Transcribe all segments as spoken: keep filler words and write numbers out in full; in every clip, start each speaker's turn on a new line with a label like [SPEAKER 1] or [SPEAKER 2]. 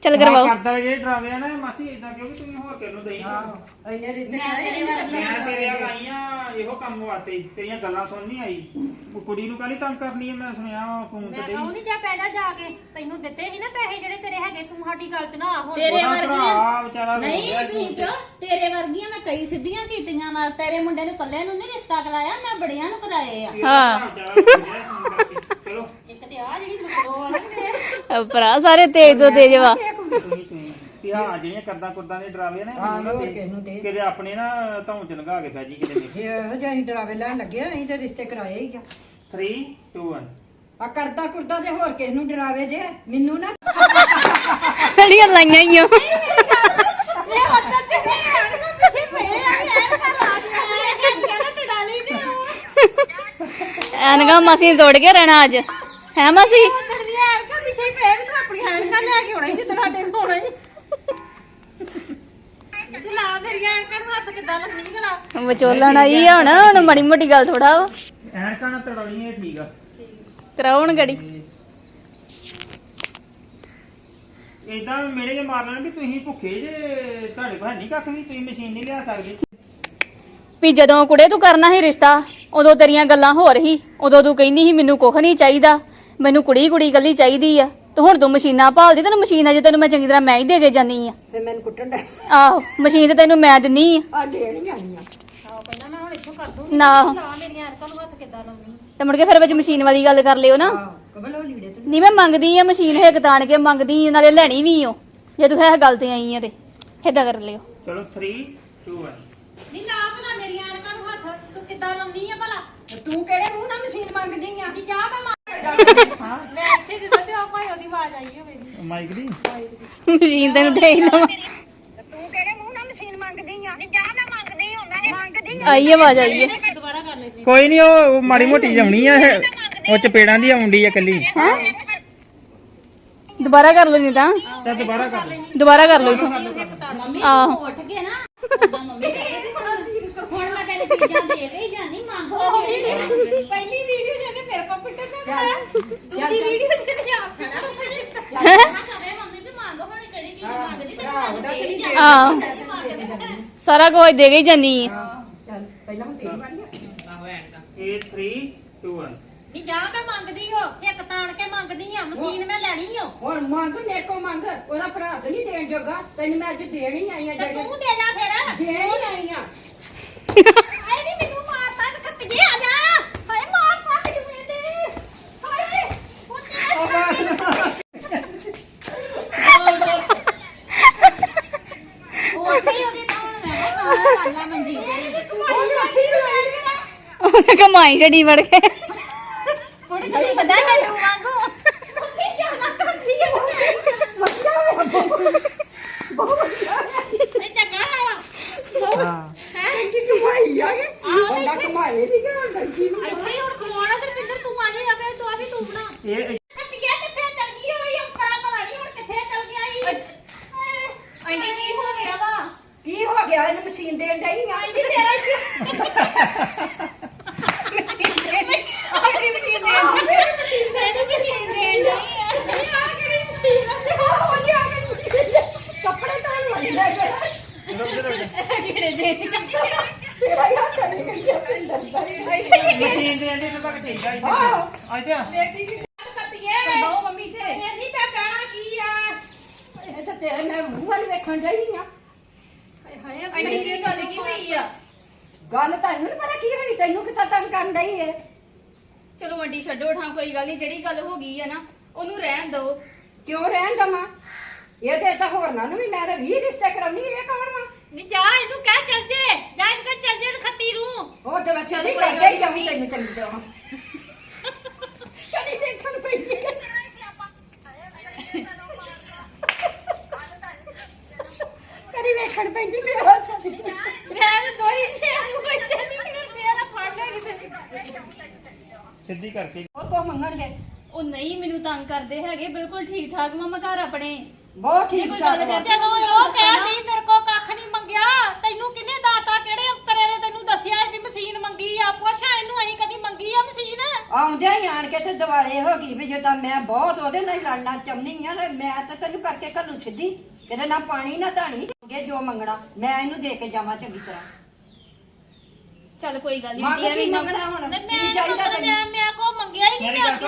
[SPEAKER 1] ਚੱਲ ਕਰਵਾਓ
[SPEAKER 2] ਕਰਦਾ ਜੇ ਡਰਾਵੇ ਨਾ ਮਾਸੀ ਇਦਾਂ ਕਿਉਂਕਿ ਤੁਸੀਂ ਹੋਰ ਕਿਹਨੂੰ ਦੇਈ
[SPEAKER 3] ਆਹੋ ਇੰਨੇ ਰਿਸ਼ਤੇ ਕਰਾਏ
[SPEAKER 2] ਮੈਂ ਤੇਰੇ ਆਈਆਂ ਇਹੋ ਕੰਮ ਵਾਸਤੇ ਤੇਰੀਆਂ ਗੱਲਾਂ ਸੁਣ ਨਹੀਂ ਆਈ ਉਹ ਕੁੜੀ ਨੂੰ ਕਾਹਲੀ ਤੰਗ ਕਰਨੀ ਹੈ ਮੈਂ ਸੁਣਿਆ ਫੋਨ ਤੇ
[SPEAKER 4] ਮੈਂ ਨਹੀਂ ਜਾ ਪੈ ਜਾ ਜਾ ਕੇ ਤੈਨੂੰ ਦਿੱਤੇ ਸੀ ਨਾ ਪੈਸੇ ਜਿਹੜੇ ਤੇਰੇ ਹੈਗੇ ਤੂੰ ਸਾਡੀ ਗੱਲ ਚ ਨਾ ਆ ਹੁਣ
[SPEAKER 5] ਤੇਰੇ ਵਰਗੀਆਂ
[SPEAKER 2] ਵਿਚਾਰਾ
[SPEAKER 5] ਨਹੀਂ ਤੂੰ ਕਿਉਂ ਤੇਰੇ ਵਰਗੀਆਂ ਮੈਂ ਕਈ ਸਿੱਧੀਆਂ ਕੀਤੀਆਂ ਮਾਰ ਤੇਰੇ ਮੁੰਡੇ ਨੂੰ ਕੱਲੇ ਨੂੰ ਨਹੀਂ ਰਿਸ਼ਤਾ ਕਰਾਇਆ ਮੈਂ ਬੜੀਆਂ ਨੂੰ ਕਰਾਏ ਆ
[SPEAKER 1] ਹਾਂ
[SPEAKER 2] ਚਲੋ
[SPEAKER 4] ਇੱਕ ਤੇ ਆ ਜਿਹੜੀ ਲੁਕੋ ਵਾਲੀ
[SPEAKER 1] ਭਰਾ ਸਾਰੇ ਤੇਜ ਤੋਂ ਤੇਜ ਵਾ
[SPEAKER 2] ਤੇ ਆ ਜਿਹੜੀਆਂ ਕਰਦਾ ਕੁਰਦਾਂ ਦੇ ਡਰਾਵੇ ਨੇ
[SPEAKER 3] ਹਾਂ ਹੋਰ ਕਿਹਨੂੰ ਦੇ
[SPEAKER 2] ਕਿਤੇ ਆਪਣੇ ਨਾ ਧੌਂ ਚ ਲਗਾ ਕੇ ਫੈਜੀ ਕਿਤੇ ਨੇ
[SPEAKER 3] ਜੇ ਇਹੋ ਜਿਹੇ ਅਸੀਂ ਡਰਾਵੇ ਲੈਣ ਲੱਗੇ ਆ, ਅਸੀਂ ਤੇ ਰਿਸ਼ਤੇ ਕਰਾਏ ਹੀ ਆ
[SPEAKER 2] three two one
[SPEAKER 3] ਆ ਕਰਦਾ ਕੁਰਦਾ ਤੇ ਹੋਰ ਕਿਸ ਨੂੰ ਡਰਾਵੇ ਜੇ ਮੈਨੂੰ ਨਾ
[SPEAKER 1] ਕਿਹੜੀਆਂ ਲਾਈਆਂ ਈ ਓ
[SPEAKER 4] ਇਹ ਹੁੰਦਾ ਤੇ ਐਨ ਨੂੰ ਪਿੱਛੇ ਪਏ ਆ ਐਨ ਕਰ ਲਾ ਦਿਆ ਕਹਿੰਦਾ ਤੇ ਡਾਲੀ ਤੇ
[SPEAKER 1] ਐਨਕਾਂ ਮਾਸੀ ਨੇ ਤੋੜ ਕੇ ਰਹਿਣਾ ਅੱਜ ਹੈ ਮਾਸੀ
[SPEAKER 4] ਉਧਰ ਦੀ ਐਨ ਕਾ ਪਿੱਛੇ ਪਏ ਵੀ ਤੂੰ ਆਪਣੀ ਐਨਕਾਂ ਲੈ ਕੇ ਆਉਣਾ ਸੀ ਤੁਹਾਡੇ ਕੋਲ ਹੀ ਤੇ ਲਾ ਮੇਰੀ ਐਨਕਾਂ ਨੂੰ ਹੱਥ ਕਿੱਦਾਂ ਲੱਗਣੀ ਕਰਾ
[SPEAKER 1] ਵਿਚੋਲਣ ਆਈ ਆ ਹੁਣ ਹੁਣ ਮਾੜੀ ਮੋਟੀ ਗੱਲ ਥੋੜਾ ਵਾ
[SPEAKER 2] ਐਨਕਾਂ ਨਾਲ ਤੜਾਉਣੀ ਹੈ ਠੀਕ ਆ
[SPEAKER 1] ਕਰਾਉਣ ਗੜੀ
[SPEAKER 2] ਇਦਾਂ ਮੇਰੇ ਜੇ ਮਾਰ ਲੈਣ ਵੀ ਤੁਸੀਂ ਭੁੱਖੇ ਜੇ ਤੁਹਾਡੇ ਕੋਲ ਨਹੀਂ ਕੱਖ ਵੀ ਤੁਸੀਂ ਮਸ਼ੀਨ ਨਹੀਂ ਲਿਆ ਸਕਦੇ
[SPEAKER 1] ਵੀ ਜਦੋਂ ਕੁੜੇ ਤੂੰ ਕਰਨਾ ਸੀ ਰਿਸ਼ਤਾ ਉਦੋਂ ਤੇਰੀਆਂ ਗੱਲਾਂ ਹੋਰ ਹੀ ਉਦੋਂ ਤੂੰ ਕਹਿੰਦੀ ਸੀ ਮੈਨੂੰ ਕੁਝ ਨਹੀਂ ਚਾਹੀਦਾ ਮੈਨੂੰ ਕੁੜੀ ਕੁੜੀ ਕੱਲੀ ਚਾਹੀਦੀ ਆ ਤੇ ਹੁਣ ਤੂੰ ਮਸ਼ੀਨਾਂ ਭਾਲਦੀ ਤੈਨੂੰ ਮਸ਼ੀਨ ਅਜੇ ਤੈਨੂੰ ਮੈਂ ਚੰਗੀ ਤਰ੍ਹਾਂ ਮੈਂ ਹੀ ਦੇ ਕੇ ਜਾਨੀ ਆ
[SPEAKER 3] ਤੇ ਮੈਨੂੰ ਕੁੱਟਣ ਦਾ
[SPEAKER 1] ਆਹੋ ਮਸ਼ੀਨ ਤੇ ਤੈਨੂੰ ਮੈਂ ਦਿੰਨੀ ਆ
[SPEAKER 3] ਆ ਦੇਣੀ ਆਣੀ ਆ
[SPEAKER 4] ਆਹ ਕਹਿੰਦਾ ਮੈਂ ਹੁਣ ਇੱਥੋਂ ਕਰ ਦੂੰ
[SPEAKER 1] ਨਾ
[SPEAKER 4] ਲਾ ਮੇਰੀਆਂ ਐਨਕਾਂ ਨੂੰ ਹੱਥ ਕਿੱਦਾਂ ਲਾਉਣੀ
[SPEAKER 1] ਤੇ ਮੁੜ ਕੇ ਫਿਰ ਵਿੱਚ ਮਸ਼ੀਨ ਵਾਲੀ ਗੱਲ ਕਰ ਲਿਓ ਨਾ
[SPEAKER 3] ਆਹ ਕਬਲ ਉਹ ਲੀੜੇ ਤੇ
[SPEAKER 1] ਨਹੀਂ ਮੈਂ ਮੰਗਦੀ ਆ ਮਸ਼ੀਨ ਹਿੱਕ ਤਾਣ ਕੇ ਮੰਗਦੀ ਆ, ਨਾਲੇ ਲੈਣੀ ਵੀ ਓ ਜੇ ਤੂੰ ਹੈ ਗੱਲ ਤੇ ਆਈ ਆ ਤੇ ਏਦਾਂ ਕਰ ਲਿਓ
[SPEAKER 2] ਚਲੋ three two one
[SPEAKER 4] ਨਹੀਂ ਲਾ ਭਲਾ ਮੇਰੀਆਂ ਐਨਕਾਂ ਨੂੰ ਹੱਥ ਤੂੰ ਕਿੱਦਾਂ ਲਾਉਣੀ ਆ ਭਲਾ
[SPEAKER 3] ਤੇ ਤੂੰ ਕਿਹੜੇ ਮੂੰਹ ਨਾਲ ਮਸ਼ੀਨ ਮੰਗਦੀ ਆ
[SPEAKER 4] ਨਹੀਂ ਜਾ ਮੈਂ ਮਾਰ ਮੈਂ ਇੱਥੇ ਜਿੱਦਾਂ ਤੇ ਆ ਭਾਈ ਉਹਦੀ ਆਵਾਜ਼ ਆਈ ਹੋਵੇ
[SPEAKER 2] ਮਾਈਕ ਦੀ
[SPEAKER 1] ਮਸ਼ੀਨ ਤੈਨੂੰ ਦੇ ਹੀ ਲਵਾਂ
[SPEAKER 4] ਤੂੰ ਕਿਹੜੇ ਮੂੰਹ ਨਾਲ ਮਸ਼ੀਨ ਮੰਗਦੀ ਆ ਨਹੀਂ ਜਾ ਮੈਂ ਮੰਗਦੀ ਹਾਂ ਮੈਂ ਮੰਗਦੀ
[SPEAKER 1] ਆਈ ਆਵਾਜ਼ ਆਈ ਹੈ
[SPEAKER 4] ਦੁਬਾਰਾ ਕਰ ਲੈਂਦੇ
[SPEAKER 2] ਕੋਈ ਨਹੀਂ ਉਹ ਮਾੜੀ ਮੋਟੀ ਜਾਉਣੀ ਆ ਇਹ ਉਹ ਚਪੇੜਾਂ ਦੀ ਆਉਂਦੀ ਆ ਕੱਲੀ
[SPEAKER 1] ਦੁਬਾਰਾ ਕਰ ਲਓ ਨਹੀਂ ਤਾਂ
[SPEAKER 2] ਤਾਂ ਦੁਬਾਰਾ ਕਰ ਲੈ
[SPEAKER 1] ਦੁਬਾਰਾ ਕਰ ਲਓ ਇਥੋਂ
[SPEAKER 5] ਮੰਮੀ
[SPEAKER 1] ਆਹੋ
[SPEAKER 5] ਉੱਠ ਕੇ ਨਾ ਉਦਾਂ ਮੰਮੀ ਕਹਿੰਦੀ ਹੁਣ ਮੈਂ ਤੈਨੂੰ ਚੀਜ਼ਾਂ ਦੇ ਕੇ ਹੀ ਜਾਂਦੀ ਮੰਗ ਹੋ
[SPEAKER 4] ਪਹਿਲੀ ਵੀਡੀਓ ਜਿਹਨੇ ਮੇਰੇ ਕੰਪਿਊਟਰ ਤੇ ਬਣਾਇਆ ਦੂਜੀ ਵੀਡੀਓ ਜਿਹਨੇ ਆਪ ਖੜਾ
[SPEAKER 5] ਕਹੇ ਮੰਮੀ ਵੀ ਮੰਗ ਹੁਣ ਕਿਹੜੀ ਚੀਜ਼ ਮੰਗਦੀ ਤੈਨੂੰ ਮੰਗ ਦੇ ਹੀ ਜਾਂਦੀ
[SPEAKER 1] ਆਹੋ ਸਾਰਾ ਕੁਝ ਦੇ ਕੇ ਹੀ ਜਾਨੀ ਆ
[SPEAKER 3] ਚੱਲ ਪਹਿਲਾਂ ਮੈਂ ਤੇਰੀ ਵਾਰੀ ਆ
[SPEAKER 2] eight three two one
[SPEAKER 4] ਨਹੀਂ ਜਾ ਮੈਂ ਮੰਗਦੀ ਹੋ ਇੱਕ ਤਾਣ ਕੇ ਮੰਗਦੀ ਆ ਮਸ਼ੀਨ ਮੈਂ ਲੈਣੀ ਓ
[SPEAKER 3] ਹੁਣ ਮੰਗ ਨੇਕੋ ਮੰਗ ਉਹਦਾ ਭਰਾ ਤਾਂ ਨਹੀਂ ਦੇਣ ਜੋਗਾ ਤੈਨੂੰ ਮੈਂ ਅੱਜ ਦੇਣੀ ਆਈ ਆ
[SPEAKER 4] ਤੇ
[SPEAKER 3] ਜਿਹੜੀ
[SPEAKER 4] ਤੂੰ ਦੇ ਜਾ ਫਿਰ
[SPEAKER 3] ਦੇਣੀ ਆਈ ਆ
[SPEAKER 4] ਹਾਏ ਨੀ ਮੈਨੂੰ ਮਾਰਤਾ ਤੇ ਖੱਤੀਏ ਆ ਜਾ ਹਾਏ ਮਾਰਤਾ ਮੈਨੂੰ ਇਹਨੇ ਹਾਏ
[SPEAKER 5] ਉਹ ਤੇ ਉਹਦੇ ਤਾਂ ਹੁਣ ਮੈਂ ਕਿਹਾ ਕਾਲਾ ਮੰਜੀ ਤੇ
[SPEAKER 4] ਕਮਾਈ ਰੱਖੀ ਹੋਈ
[SPEAKER 1] ਉਹਨੇ ਕਮਾਈ ਛੜੀ ਵੜ ਕੇ
[SPEAKER 4] ਕੁੜੀ ਤੇ ਪਤਾ ਮੈਨੂੰ ਵਾਂਗੂ ਕੀ ਜਾਣਾ ਕਰਦੀ ਹੈ ਇਹ ਚੰਗਾ ਹੈ
[SPEAKER 2] ਹਾਂ
[SPEAKER 4] ਹੈ
[SPEAKER 3] ਕੀ ਕਮਾਈ ਆ ਗਏ ਬੰਦਾ ਕਮਾਏ ਨਹੀਂ ਕਿ ਲੜਕੀ ਨੂੰ
[SPEAKER 4] ਇੱਥੇ ਹੀ ਹੁਣ ਖਵਾਉਣਾ ਤੇ ਪਿੰਦਰ ਤੂੰ ਆ ਜਾ ਆਵੇ ਤੂੰ ਆ ਵੀ ਤੂੰ ਬਣਾ
[SPEAKER 2] ਇਹ
[SPEAKER 4] ਕੱਟਿਆ ਕਿੱਥੇ ਚਲ ਗਈ ਹੋਈ ਅੰਪਰਾ ਪਤਾ ਨਹੀਂ ਹੁਣ ਕਿੱਥੇ ਚਲ ਗਿਆ ਈ
[SPEAKER 5] ਆਂਟੀ ਕੀ ਹੋ ਗਿਆ ਵਾ
[SPEAKER 3] ਕੀ ਹੋ ਗਿਆ ਇਹਨੂੰ ਮਸ਼ੀਨ ਦੇਣ ਡਈ ਆ
[SPEAKER 4] ਨਹੀਂ ਤੇਰਾ ਆਖਰੀ ਮਸ਼ੀਨ ਦੇ ਮਸ਼ੀਨ ਦੇ ਨਹੀਂ ਮਸ਼ੀਨ ਦੇ ਨਹੀਂ ਆ ਕਿਹੜੀ ਮਸ਼ੀਨ ਆ ਹੋ ਗਿਆ
[SPEAKER 3] ਕੱਪੜੇ ਧੋਣ ਵਾਲੀ ਲੈ ਕੇ
[SPEAKER 4] ਕਿਹੜੇ ਦੇ
[SPEAKER 3] ਤੇਰਾ ਹੀ ਹੱਥ ਨਹੀਂ ਗਈ ਪਿੰਡਰ ਦਾ
[SPEAKER 2] ਮਸ਼ੀਨ ਦੇ ਅੰਡੇ ਤੱਕ ਠੀਕ ਆ ਇੱਥੇ ਇੱਥੇ
[SPEAKER 4] ਵੇਖੀ ਕਿ ਕੱਟੀਏ
[SPEAKER 5] ਬਹੁ ਮੰਮੀ ਤੇ
[SPEAKER 4] ਇਹ ਨਹੀਂ ਮੈਂ ਕਹਿਣਾ ਕੀ ਆ
[SPEAKER 3] ਇਹ ਤਾਂ ਤੇਰੇ ਮੈਂ ਮੂੰਹ ਵਾਲੀ ਵੇਖਣ ਡਈ ਆ
[SPEAKER 4] ਹਾਏ
[SPEAKER 5] ਆਂਟੀ ਕੀ ਗੱਲ ਕੀ ਹੋਈ ਆ
[SPEAKER 3] ਗੱਲ ਤੁਹਾਨੂੰ ਨੀ ਪਤਾ ਕੀ ਹੋਈ ਤੈਨੂੰ ਕਿਤਾ ਤੰਗ ਕਰਨ ਡਈ ਏ
[SPEAKER 5] ਚਲੋ ਆਂਟੀ ਛੱਡੋ ਠਾਂ ਕੋਈ ਗੱਲ ਨਹੀਂ ਜਿਹੜੀ ਗੱਲ ਹੋ ਗਈ ਆ ਨਾ ਉਹਨੂੰ ਰਹਿਣ ਦਿਓ
[SPEAKER 3] ਕਿਉਂ ਰਹਿਣ ਦਵਾਂ ਇਹਦੇ ਤਾਂ ਹੋਰਨਾਂ ਨੂੰ ਵੀ ਮੈਂ ਤਾਂ ਵੀਹ ਰਿਸ਼ਤੇ ਕਰਾਉਣੀ ਇਹ ਕੌਣ ਵਾ
[SPEAKER 4] ਨਹੀਂ ਜਾ ਇਹਨੂੰ ਕਹਿ ਚੱਲ ਜੇ ਜਾ ਇਹਨੂੰ ਕਹਿ ਚੱਲ ਜੇ ਇਹਨੂੰ ਖੱਤੀ ਨੂੰ
[SPEAKER 3] ਹੋਰ ਤੇ ਮੈਂ
[SPEAKER 5] ਚੱਲ
[SPEAKER 3] ਚੱਲੀ
[SPEAKER 5] ਕੋਈ
[SPEAKER 3] ਕਰਦੇ
[SPEAKER 5] ਗੱਲ
[SPEAKER 3] ਹੀ ਜਾਉਂ ਤੈਨੂੰ ਚੰਗੀ ਤਰ੍ਹਾਂ ਕਦੀ ਦੇਖਣ ਪਈ ਕਦੀ ਵੇਖਣ ਪੈਂਦੀ ਮੈਂ
[SPEAKER 4] ਮੈਂ ਦੋਈ ਨੇ ਇਹਨੂੰ ਕੋਈ ਨਹੀਂ ਕਿ ਮੇਰਾ ਫੜ ਲੈ ਕਿਤੇ
[SPEAKER 2] ਸਿੱਧੀ ਕਰਕੇ
[SPEAKER 3] ਹੋਰ ਕੋ ਮੰਗਣਗੇ
[SPEAKER 5] ਉਹ ਨਹੀਂ ਮੈਨੂੰ ਤੰਗ ਕਰਦੇ ਹੈਗੇ ਬਿਲਕੁਲ ਠੀਕ ਠਾਕ ਮਾਮਾ ਘਰ ਆਪਣੇ
[SPEAKER 3] ਬਹੁਤ
[SPEAKER 5] ਜੇ
[SPEAKER 3] ਠੀਕ
[SPEAKER 5] ਕੋਈ
[SPEAKER 3] ਠਾਕ
[SPEAKER 5] ਗੱਲ
[SPEAKER 3] ਵਾ।
[SPEAKER 5] ਕਰਦੇ
[SPEAKER 4] ਜਦੋਂ ਉਹ ਕਹਿ ਨਹੀਂ ਮੇਰੇ ਕੋ ਕੱਖ ਨਹੀਂ ਮੰਗਿਆ ਤੈਨੂੰ ਕਿਹਨੇ ਦਾਤਾ ਕਿਹੜੇ ਅੰਕਰੇ ਨੇ ਤੈਨੂੰ ਦੱਸਿਆ ਵੀ ਮਸ਼ੀਨ ਮੰਗੀ ਆ ਪੁੱਛਾਂ ਇਹਨੂੰ ਅਸੀਂ ਕਦੀ ਮੰਗੀ ਆ ਮਸ਼ੀਨ
[SPEAKER 3] ਆਉਂਦਿਆਂ ਹੀ ਆਣ ਕੇ ਤੇ ਦਿਵਾਲੇ ਹੋ ਗਈ ਵੀ ਜਦੋਂ ਮੈਂ ਬਹੁਤ ਉਹਦੇ ਨਾਲ ਹੀ ਲੜਨਾ ਚਾਹੁੰਦੀ ਆ ਤੇ ਮੈਂ ਤਾਂ ਤੈਨੂੰ ਕਰਕੇ ਘੱਲੂ ਸਿੱਧੀ ਕਿਤੇ ਨਾ ਪਾਣੀ ਨਾ ਧਾਣੀ ਅੱਗੇ ਜੋ ਮੰਗਣਾ ਮੈਂ ਇਹਨੂੰ ਦੇ ਕੇ ਜਾਵਾਂ ਚੰਗੀ ਤਰ੍ਹਾਂ
[SPEAKER 1] ਚੱਲ ਕੋਈ ਗੱਲ ਨਹੀਂ
[SPEAKER 3] ਮੰਗ
[SPEAKER 1] ਆਂਟੀ
[SPEAKER 3] ਕੀ
[SPEAKER 1] ਐਵੇਂ ਨਾ
[SPEAKER 3] ਮੰਗਣਾ ਹੁਣ
[SPEAKER 4] ਤੇ
[SPEAKER 3] ਕੀ
[SPEAKER 4] ਮੈਂ
[SPEAKER 3] ਚਾਹੀਦਾ
[SPEAKER 4] ਮੈਂ
[SPEAKER 3] ਤੈਨੂੰ
[SPEAKER 4] ਮੈਂ ਕੋ ਮੰਗਿਆ ਹੀ ਨਹੀਂ
[SPEAKER 2] ਮੇਰੀ
[SPEAKER 4] ਮੈਂ
[SPEAKER 2] ਗੱਲ
[SPEAKER 4] ਅੱਗੇ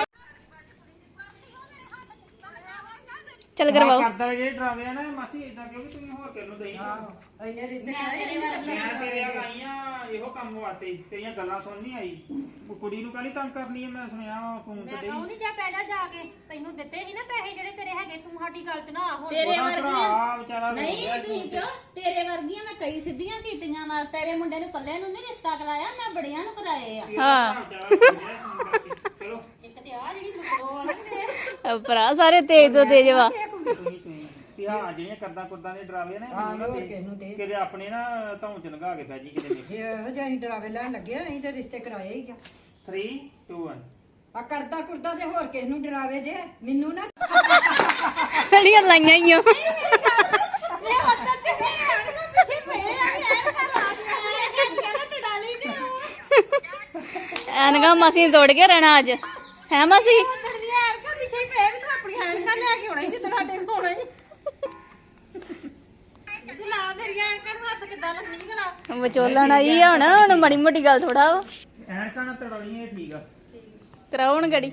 [SPEAKER 1] ਚੱਲ ਕਰਵਾਓ
[SPEAKER 2] ਕਰਦਾ ਜਿਹੜੇ ਡਰਾਵੇ ਆ ਨਾ ਮਾਸੀ ਇਦਾਂ ਕਿਉਂਕਿ ਤੁਸੀਂ ਹੋਰ ਕਿਸ ਨੂੰ ਦੇਈ
[SPEAKER 3] ਆਹੋ ਇੰਨੇ ਰਿਸ਼ਤੇ
[SPEAKER 5] ਮੈਂ ਤੇਰੇ ਵਰਗੀ
[SPEAKER 2] ਮੈਂ ਤੇਰੇ ਆ ਆਈਆਂ ਇਹੋ ਕੰਮ ਵਾਸਤੇ ਤੇਰੀਆਂ ਗੱਲਾਂ ਸੁਣ ਨਹੀਂ ਆਈ ਉਹ ਕੁੜੀ ਨੂੰ ਕਾਹਲੀ ਤੰਗ ਕਰਨੀ ਹੈ ਮੈਂ ਸੁਣਿਆ ਫੋਨ ਤੇ
[SPEAKER 4] ਮੈਂ
[SPEAKER 2] ਡਈ
[SPEAKER 4] ਕਹੂੰ ਨਹੀਂ ਜਾ ਪੈ ਜਾ ਜਾ ਕੇ ਤੈਨੂੰ ਦਿੱਤੇ ਸੀ ਨਾ ਪੈਸੇ ਜਿਹੜੇ ਤੇਰੇ ਹੈਗੇ ਤੂੰ ਸਾਡੀ ਗੱਲ ਚ ਨਾ ਆ ਹੁਣ
[SPEAKER 5] ਤੇਰੇ
[SPEAKER 2] ਉਹਦਾ
[SPEAKER 5] ਵਰਗੀਆਂ
[SPEAKER 2] ਭਰਾ ਵਿਚਾਰਾ ਰੋ
[SPEAKER 5] ਨਹੀਂ
[SPEAKER 2] ਰਿਹਾ
[SPEAKER 5] ਤੁਸੀਂ
[SPEAKER 2] ਫੋਨ ਤੇ।
[SPEAKER 5] ਕਿਉਂ ਤੇਰੇ ਵਰਗੀਆਂ ਮੈਂ ਕਈ ਸਿੱਧੀਆਂ ਕੀਤੀਆਂ ਨਾਲ ਤੇਰੇ ਮੁੰਡੇ ਨੂੰ ਕੱਲੇ ਨੂੰ ਨਹੀਂ ਰਿਸ਼ਤਾ ਕਰਾਇਆ ਮੈਂ ਬੜੀਆਂ ਨੂੰ ਕਰਾਏ ਆ
[SPEAKER 1] ਹਾਂ।
[SPEAKER 2] ਵਿਚਾਰਾ ਰੋ ਰਿਹਾ ਫੋਨ ਕਰਕੇ। ਚਲੋ
[SPEAKER 4] ਇੱਕ ਤੇ ਆ ਜਿਹੜੀ ਲੁਕੋ ਵਾਲੀ
[SPEAKER 1] ਭਰਾ ਸਾਰੇ ਤੇਜ ਤੋਂ ਤੇਜ ਵਾ
[SPEAKER 2] ਤੁਸੀਂ ਤੁਸੀਂ ਕਿ ਆ ਜਿਹੜੀਆਂ ਕਰਦਾ ਕੁਰਦਾਂ ਦੇ ਡਰਾਵੇ ਨੇ
[SPEAKER 3] ਹਾਂ, ਹੋਰ ਕਿਸ ਨੂੰ ਦੇ।
[SPEAKER 2] ਕਿਤੇ ਆਪਣੇ ਨਾ ਧੌਂ ਚ ਲੰਘਾ ਕੇ ਪੈ ਜੀ ਕਿਤੇ
[SPEAKER 3] ਜੇ ਇਹੋ ਜਿਹੇ ਅਸੀਂ ਡਰਾਵੇ ਲੈਣ ਲੱਗੇ ਆ, ਅਸੀਂ ਤੇ ਰਿਸ਼ਤੇ ਕਰਾਏ ਹੀ ਆ
[SPEAKER 2] three two one
[SPEAKER 3] ਆ ਕਰਦਾ ਕੁਰਦਾ ਤੇ ਹੋਰ ਕਿਸ ਨੂੰ ਡਰਾਵੇ ਜੇ ਮੈਨੂੰ ਨਾ
[SPEAKER 1] ਕਿਹੜੀਆਂ ਲਾਈਆਂ ਈ ਓ
[SPEAKER 4] ਇਹ ਹੁੰਦਾ ਤੇ ਮੈਂ ਪਿੱਛੇ ਪਏ ਆ ਐਨ ਕਰ ਆ ਗਿਆ ਕਹਿੰਦਾ ਤੂੰ ਡਾਲੀ ਤੇ
[SPEAKER 1] ਐਨਗਾ ਮਾਸੀ ਨੇ ਤੋੜ ਕੇ ਰਹਿਣਾ ਅੱਜ ਹੈ ਮਾਸੀ
[SPEAKER 4] ਉਧਰ ਦੀ ਐਨ ਕਰ ਪਿੱਛੇ ਪਏ ਵੀ ਤੂੰ ਆਪਣੀ ਐਨਕਾਂ ਲੈ ਕੇ ਆਉਣਾ ਜਿੱਦ ਸਾਡੇ ਕੋਲ ਆਉਣਾ ਜੀ ਲਾ ਮੇਰੀ ਐਨਕਾਂ ਨੂੰ ਹੱਥ ਕਿੱਦਾਂ ਲੱਗਣੀ ਭਲਾ
[SPEAKER 1] ਵਿਚੋਲਣ ਆਈ ਆ ਹੁਣ ਹੁਣ ਮੜੀ ਮੋਟੀ ਗੱਲ ਥੋੜਾ ਵਾ
[SPEAKER 2] ਐਨਕਾਂ ਨਾਲ ਤੜਾਉਣੀ ਇਹ ਠੀਕ ਆ
[SPEAKER 1] ਕਰਾਉਣ ਗੜੀ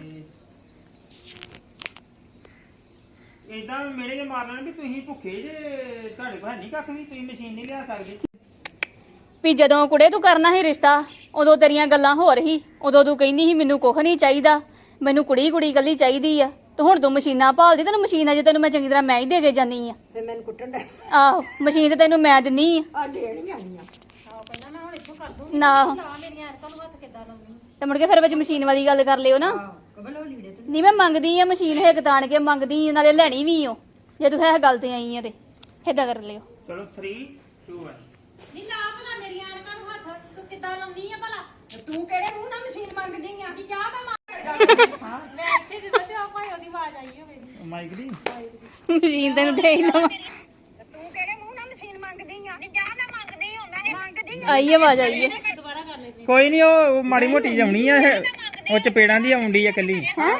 [SPEAKER 2] ਇਦਾਂ ਮੇਰੇ ਜੇ ਮਾਰ ਲੈਣ ਵੀ ਤੁਸੀਂ ਭੁੱਖੇ ਜੇ ਤੁਹਾਡੇ ਕੋਲ ਹੈ ਨਹੀਂ ਕੱਖ ਵੀ ਤੁਸੀਂ ਮਸ਼ੀਨ ਨਹੀਂ ਲਿਆ ਸਕਦੇ
[SPEAKER 1] ਵੀ ਜਦੋਂ ਕੁੜੇ ਤੂੰ ਕਰਨਾ ਸੀ ਰਿਸ਼ਤਾ ਉਦੋਂ ਤੇਰੀਆਂ ਗੱਲਾਂ ਹੋਰ ਹੀ ਉਦੋਂ ਤੂੰ ਕਹਿੰਦੀ ਸੀ ਮੈਨੂੰ ਕੁਝ ਨਹੀਂ ਚਾਹੀਦਾ ਮੈਨੂੰ ਕੁੜੀ ਕੁੜੀ ਗੱਲੀ ਚਾਹੀਦੀ ਆ ਤੇ ਹੁਣ ਤੂੰ ਮਸ਼ੀਨਾਂ ਭਾਲਦੀ ਤੈਨੂੰ ਮਸ਼ੀਨ ਅਜੇ ਤੈਨੂੰ ਮੈਂ ਚੰਗੀ ਤਰ੍ਹਾਂ ਮੈਂ ਹੀ ਦੇ ਕੇ ਜਾਨੀ ਆ
[SPEAKER 3] ਤੇ ਮੈਨੂੰ ਕੁੱਟਣ ਦਾ
[SPEAKER 1] ਆਹੋ ਮਸ਼ੀਨ ਤੇ ਤੈਨੂੰ ਮੈਂ ਦਿੰਨੀ ਆ
[SPEAKER 3] ਆ ਦੇਣੀ ਆਣੀ ਆ
[SPEAKER 4] ਆਹ ਪਹਿਲਾਂ ਮੈਂ ਹੁਣ ਇੱਥੋਂ ਕਰ ਦੂੰਗੀ
[SPEAKER 1] ਨਾ
[SPEAKER 4] ਲਾ ਮੇਰੀਆਂ ਐਨਕਾਂ ਨੂੰ ਹੱਥ ਕਿੱਦਾਂ ਲਾਉਣੀ
[SPEAKER 1] ਤੇ ਮੁੜ ਕੇ ਫਿਰ ਵਿੱਚ ਮਸ਼ੀਨ ਵਾਲੀ ਗੱਲ ਕਰ ਲਿਓ ਨਾ
[SPEAKER 3] ਆਹ ਕਬਲ ਉਹ ਲੀੜੇ ਤੇ
[SPEAKER 1] ਨਹੀਂ ਮੈਂ ਮੰਗਦੀ ਆ ਮਸ਼ੀਨ ਹਿੱਕ ਤਾਣ ਕੇ ਮੰਗਦੀ ਆ, ਨਾਲੇ ਲੈਣੀ ਵੀ ਓ ਜੇ ਤੂੰ ਹੈ ਗੱਲ ਤੇ ਆਈ ਆ ਤੇ ਏਦਾਂ ਕਰ ਲਿਓ
[SPEAKER 2] ਚਲੋ three two one
[SPEAKER 4] ਨਹੀਂ ਲਾ ਭਲਾ ਮੇਰੀਆਂ ਐਨਕਾਂ ਨੂੰ ਹੱਥ ਤੂੰ ਕਿੱਦਾਂ ਲਾਉਣੀ ਆ ਭਲਾ
[SPEAKER 3] ਤੇ ਤੂੰ ਕਿਹੜੇ ਮੂੰਹ ਨਾਲ ਮਸ਼ੀਨ ਮੰਗਦੀ ਆ
[SPEAKER 4] ਕਿ ਜਾ ਮੈਂ ਮਾਰ ਮੈਂ ਇੱਥੇ ਦੇ ਤੇ ਆ ਭਾਈ ਉਹਦੀ ਆਵਾਜ਼ ਆਈ ਹੋਵੇ
[SPEAKER 2] ਮਾਈਕ ਦੀ
[SPEAKER 1] ਮਸ਼ੀਨ ਤੈਨੂੰ ਦੇ ਹੀ ਲਵਾਂ
[SPEAKER 4] ਤੂੰ ਕਿਹੜੇ ਮੂੰਹ ਨਾਲ ਮਸ਼ੀਨ ਮੰਗਦੀ ਆ ਜਾ ਮੈਂ ਮੰਗਦੀ ਹਾਂ ਮੈਂ ਮੰਗਦੀ
[SPEAKER 1] ਆਈ ਆਵਾਜ਼ ਆਈ ਹੈ
[SPEAKER 4] ਦੁਬਾਰਾ ਕਰ ਲੈਂਦੇ
[SPEAKER 2] ਕੋਈ ਨਹੀਂ ਉਹ ਮਾੜੀ ਮੋਟੀ ਜਾਉਣੀ ਆ ਇਹ ਉਹ ਚਪੇੜਾਂ ਦੀ ਆਉਂਦੀ ਆ ਕੱਲੀ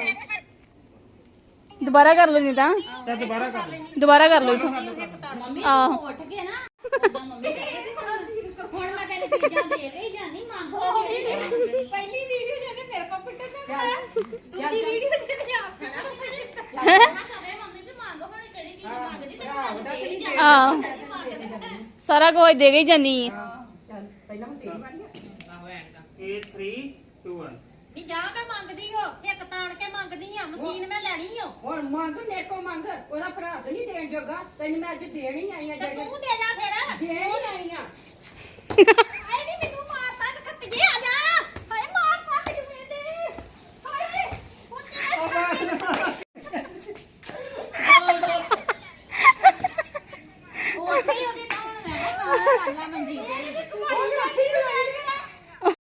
[SPEAKER 1] ਦੁਬਾਰਾ ਕਰ ਲਓ ਨਹੀਂ ਤਾਂ
[SPEAKER 2] ਤੇ ਦੁਬਾਰਾ ਕਰ ਲੈ
[SPEAKER 1] ਦੁਬਾਰਾ ਕਰ ਲਓ ਇਥੋਂ
[SPEAKER 5] ਮੰਮੀ
[SPEAKER 1] ਆਹੋ।
[SPEAKER 5] ਤੂੰ ਉੱਠ ਕੇ ਨਾ ਓਦਾਂ ਮੰਮੀ ਕਹਿੰਦੀ ਹੁਣ ਮੈਂ ਤੈਨੂੰ ਚੀਜ਼ਾਂ ਦੇ ਕੇ ਹੀ ਜਾਂਦੀ ਮੰਗ ਹੋ
[SPEAKER 4] ਪਹਿਲੀ ਵੀਡੀਓ ਜਿਹਨੇ ਮੇਰੇ ਕੋਲ ਪਿੱਟੇ ਤੇ ਮੈਂ ਦੂਜੀ ਵੀਡੀਓ ਜਿਹਨੇ ਆਪ ਖੜਾ
[SPEAKER 5] ਕਹੇ ਮੰਮੀ ਵੀ ਮੰਗ ਹੁਣ ਕਿਹੜੀ ਚੀਜ਼ ਮੰਗਦੀ ਤੈਨੂੰ ਮੰਗ ਦੇ ਹੀ ਜਾਂਦੀ
[SPEAKER 1] ਆਹ ਸਾਰਾ ਕੁਝ ਦੇ ਕੇ ਹੀ ਜਾਨੀ ਆ
[SPEAKER 3] ਚੱਲ ਪਹਿਲਾਂ ਮੈਂ ਤੇਰੀ ਵਾਰੀ ਆ
[SPEAKER 2] ਇਹ three two one
[SPEAKER 4] ਨਹੀਂ ਜਾ ਮੈਂ ਮੰਗਦੀ ਹੋ ਇੱਕ ਤਾਣ ਕੇ ਮੰਗਦੀ ਆ ਮਸ਼ੀਨ ਮੈਂ ਲੈਣੀ ਓ
[SPEAKER 3] ਹੁਣ ਮੰਗ ਮੇਰੇ ਕੋ ਮੰਗ ਉਹਦਾ ਭਰਾ ਤੇ ਨਹੀਂ ਦੇਣ ਜੋਗਾ ਤੈਨੂੰ ਮੈਂ ਅੱਜ ਦੇਣ ਹੀ ਆਈ ਆ
[SPEAKER 4] ਤੇ
[SPEAKER 3] ਜਿਹੜੇ
[SPEAKER 4] ਤੂੰ ਦੇ ਜਾ ਫਿਰ
[SPEAKER 3] ਦੇਣ ਹੀ ਆਈ ਆ